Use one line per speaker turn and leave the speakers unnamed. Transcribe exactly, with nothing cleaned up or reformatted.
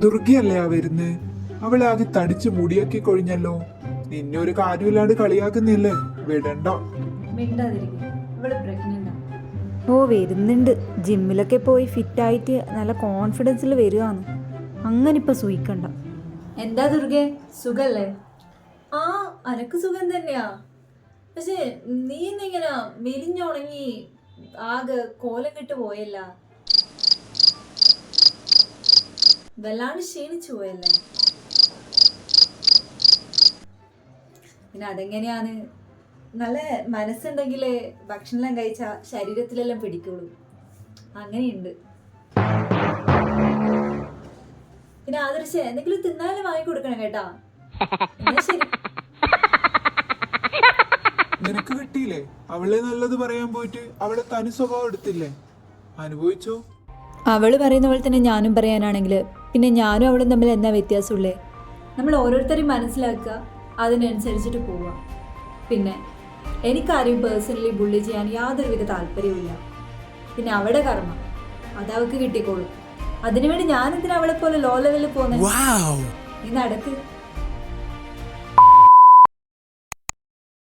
ദുർഗയല്ലേ ആ വരുന്നേ? അവളാകെ തടിച്ച് മുടിയൊക്കെ കൊഴിഞ്ഞല്ലോ. നിന്നെ ഒരു കാര്യമില്ലാണ്ട് കളിയാക്കുന്നില്ലേ? വിടണ്ട.
ഓ വരുന്നുണ്ട്. ജിമ്മിലൊക്കെ പോയി ഫിറ്റായിട്ട് നല്ല കോൺഫിഡൻസിൽ വരികയാണ്. അങ്ങനെ ഇപ്പൊ സൂയിക്കണ്ട.
എന്താ ദുർഗെ, സുഖല്ലേ? ആ, അനക്ക് സുഖം തന്നെയാ. പക്ഷെ നീ ഇന്നിങ്ങനെ മെലിഞ്ഞുണങ്ങി ആകെ കോലം കെട്ട് പോയല്ല, വല്ലാണ്ട് ക്ഷീണിച്ചു പോയല്ലേ? പിന്നെ അതെങ്ങനെയാണ്? നല്ല മനസ്സുണ്ടെങ്കിലേ ഭക്ഷണമെല്ലാം കഴിച്ച ശരീരത്തിലെല്ലാം പിടിക്കുള്ളൂ. അങ്ങനെയുണ്ട്. പിന്നെ ആദർശ എന്തെങ്കിലും തിന്നാലും വാങ്ങി കൊടുക്കണം കേട്ടാ. എന്നാ ശരി.
നിനക്ക് കിട്ടിയില്ലേ? അവളെ നല്ലത് പറയാൻ പോയിട്ട് അവളെ തനി സ്വഭാവം എടുത്തില്ലേ? അനുഭവിച്ചോ?
അവള് പറയുന്ന പോലെ തന്നെ ഞാനും പറയാനാണെങ്കിൽ പിന്നെ ഞാനും അവളും തമ്മിൽ എന്താ വ്യത്യാസമുള്ളേ? നമ്മൾ ഓരോരുത്തരെയും മനസ്സിലാക്കുക, അതിനനുസരിച്ചിട്ട് പോവുക. പിന്നെ എനിക്കാരെയും പേഴ്സണലി ബുള്ളി ചെയ്യാൻ യാതൊരുവിധ താല്പര്യവുമില്ല. പിന്നെ അവളുടെ കർമ്മം അതവൾക്ക് കിട്ടിക്കോളും. അതിനുവേണ്ടി ഞാനെന്തിനാ അവളെ പോലെ ലോ ലെവലിൽ പോന്നെ? നീ നടക്ക്.